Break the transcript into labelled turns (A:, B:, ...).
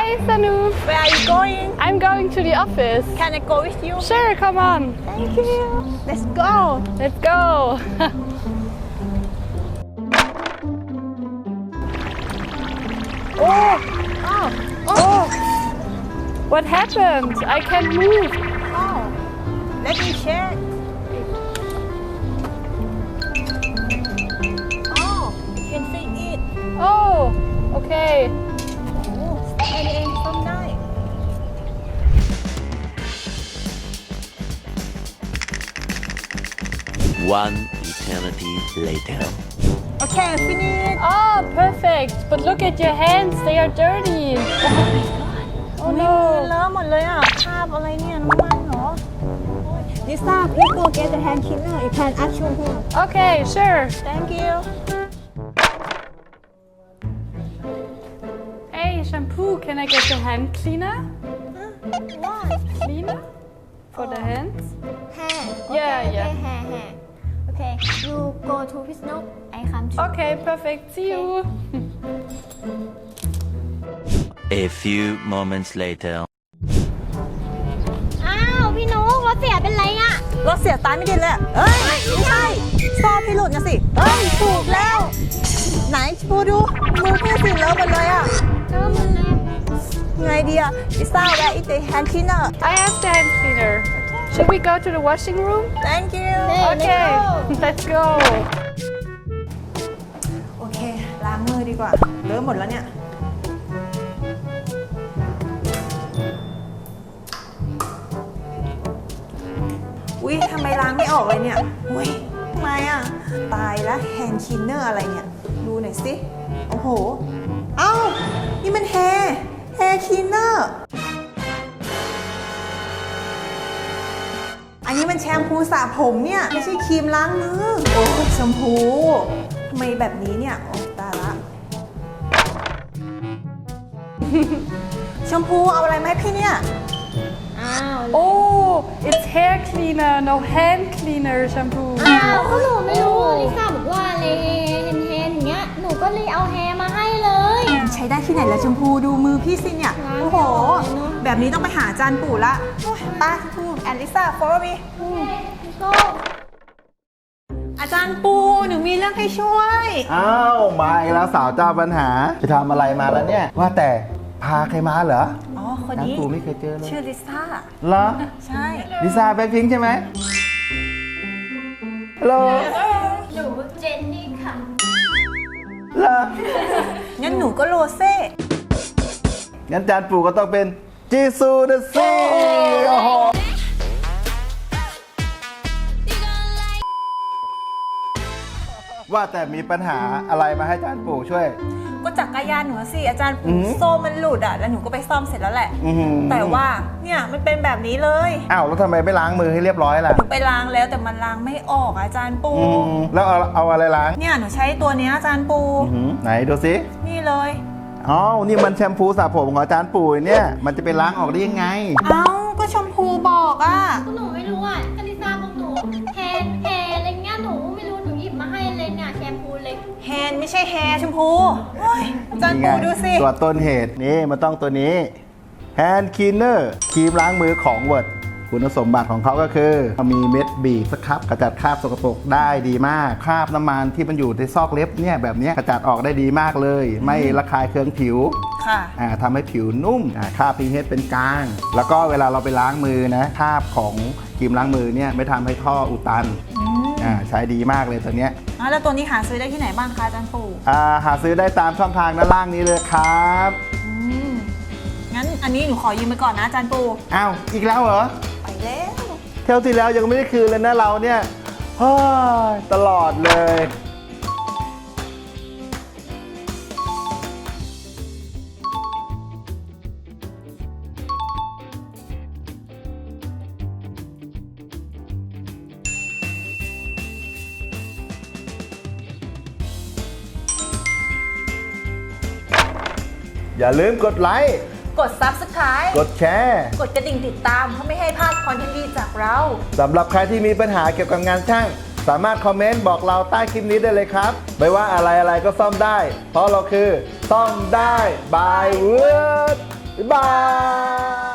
A: Hi, Sanu.
B: Where are you going?
A: I'm going to the office.
B: Can I go with you?
A: Sure, come on.
B: Thank you. Let's go.
A: Let's go. What happened? I can't move.
B: Oh, let me check. Oh, you can fit it.
A: Oh, okay.
B: แค่นี้เองซ่อมได้
C: One eternity later.
B: Okay, finish.
A: Oh, perfect. But look at your hands. They are dirty. Oh
B: มือ
A: no.
B: เลอะหมดเลยอ่ะคราบอะไรเนี่ยน้ำมันเหรอลิซ่า please go get the hand cleaner. You can ask shampoo.
A: Okay, sure.
B: Thank you.
A: Hey, shampoo. Can I get the hand cleaner?
B: What?
A: Cleaner? For the hands?
D: Hair.
A: Yeah,
D: okay,
A: yeah.
D: Okay, hair. Okay, you go to Pisnok. I come to.
A: Okay, perfect. See you.
C: A few moments later.
D: อ้าวพี่นุ๊กรถเสียเป็นไรอะ
B: รถเสียตายไม่ดีเลยอะเอ้ยไม่ใช่ซอพี่หลุดนะสิเอ้ยถูกแล้ว ไหนชูดูมือพี่สิเลอะหมดเลยอ่ะ
D: ก็มันแน่
B: ไงดีอะลิซ่า where is the hand cleaner
A: I have the hand cleaner. Should we go to the washing room?
B: Thank you
A: Okay, let's go.
B: โอเค ล้างมือดีกว่า เลอะหมดแล้วเนี่ย อุ๊ยทำไมล้างไม่ออกเลยเนี่ย อุ๊ยทำไมอ่ะ ตายแล้วแฮนด์คลีนเนอร์อะไรเนี่ย ดูหน่อยสิ โอ้โห เอ้า นี่มันแฮร์คลีนเนอร์ อันนี้มันแชมพูสระผมเนี่ย ไม่ใช่ครีมล้างมือ โอ้แชมพูทำไมแบบนี้เนี่ย โอ้ตายละ แชมพูเอาอะไรมาให้พี่เนี่ย
D: อ้าว
A: Oh, it's hair cleaner, no hand cleaner shampoo.
D: อ้าวก็หนูไม่รู้ลิซ่าบอกว่าอะไรแฮนอย่างเงี้ยหนูก็เลยเอาแฮมาให้เลย
B: ใช้ได้ที่ไหนแล้วชมพูดูมือพี่สิเนี่ย
D: ล้าง
B: โอ้โห
D: ไม่ออกเลยเนอะ
B: แบบนี้ต้องไปหาอาจารย์ปู่ละโอ้ยไป้าชมพูแอนลิซ่า follow me
D: ก็
B: อาจารย์ปู่หนูมีเรื่องให้ช่วย
E: อ้าวมาอีกแล้วสาวเจ้าปัญหาไปทำอะไรมาแล้วเนี่ย ว่าแต่พาใครมาเหรอ
B: อ๋อ คน
E: น้า
B: นี้
E: ปูไม่เคยเจอเลย
B: ชื่อลิซ่า
E: เหรอ
B: ใช่
E: ลิซ่าแบ็คพิงค์ใช่ไหมฮัลโหล
D: หนูเจนนี่ค่ะ
E: เหรอ
B: งั้นหนูก็โรเซ่
E: งั้นจานปู่ก็ต้องเป็นจีซูนะสิโอ้โหว่าแต่มีปัญหาอะไรมาให้จานปู่ช่วย
B: ก็จักรยานหนูสิอาจารย์
E: อื
B: ปู่
E: อหือ
B: โซ่มันหลุดอ่ะ แล้วหนูก็ไปซ่อมเสร็จแล้วแหละ
E: อื้อหือ
B: แต่ว่าเนี่ยมันเป็นแบบนี้เลย
E: อ้าวแล้วทำไมไม่ล้างมือให้เรียบร้อยล่ะ
B: หนูไปล้างแล้วแต่มันล้างไม่ออกอะอาจารย์ปู่
E: แล้วเอาอะไรล้าง
B: เนี่ยหนูใช้ตัวเนี้ยอาจารย์ปู่
E: อื้อหือไหนดูสิ
B: นี่เลย
E: อ๋อ นี่มันแชมพูสระผมของอาจารย์ปู่เนี่ย มันจะไปล้างออกได้ยังไง
B: เอ้าก็ชมพูบอกอ่ะ
D: ก็หนูไม่รู้อ่ะก็ลิซ่าบอกหนูแฮอะไรเงี้ยหนูไม่รู้หนูหยิบมาให้เลยเนี่ยแชมพูเล็ก
B: แฮนด์ไม่ใช่แฮร์ชมพูโอ้ยอาจารย์ปูดูสิ
E: ตัวต้นเหตุนี่มันต้องตัวนี้ Hand Cleaner ครีมล้างมือของเวิร์ดคุณสมบัติของเขาก็คือมีเม็ดบีบสครับกระจัดคราบสกปรกได้ดีมาก คราบน้ำมันที่มันอยู่ในซอกเล็บเนี่ยแบบเนี้ยกระจัดออกได้ดีมากเลย ไม่ระคายเคืองผิว
B: ค่ะ
E: ทำให้ผิวนุ่มคราบ pH เป็นกลาง แล้วก็เวลาเราไปล้างมือนะคราบของครีมล้างมือเนี่ยไม่ทำให้ท่ออุดตันใช้ดีมากเลยตัวเนี้ย
B: แล้วตัวนี้หาซื้อได้ที่ไหนบ้างคะอาจารย์ปู่
E: หาซื้อได้ตามช่องทางด้านล่างนี้เลยครับ
B: งั้นอันนี้หนูขอยืมไปก่อนนะอาจารย์ปู่
E: อ้าวอีกแล้วเหรอ
B: ไปแล้ว
E: เที่ยวที่แล้วยังไม่ได้คืนเลยนะเราเนี่ยเฮ้ยตลอดเลย อย่าลืมกดไลค์
B: กด Subscribe
E: กดแชร์
B: กดกระดิ่งติดตามเพื่อไม่ให้พลาดคอนเทนต์ดีจากเรา
E: สำหรับใครที่มีปัญหาเกี่ยวกับงานช่าง สามารถคอมเมนต์บอกเราใต้คลิปนี้ได้เลยครับ ไม่ว่าอะไรก็ซ่อมได้ เพราะเราคือซ่อมได้บายเวิร์ดบ๊ายบาย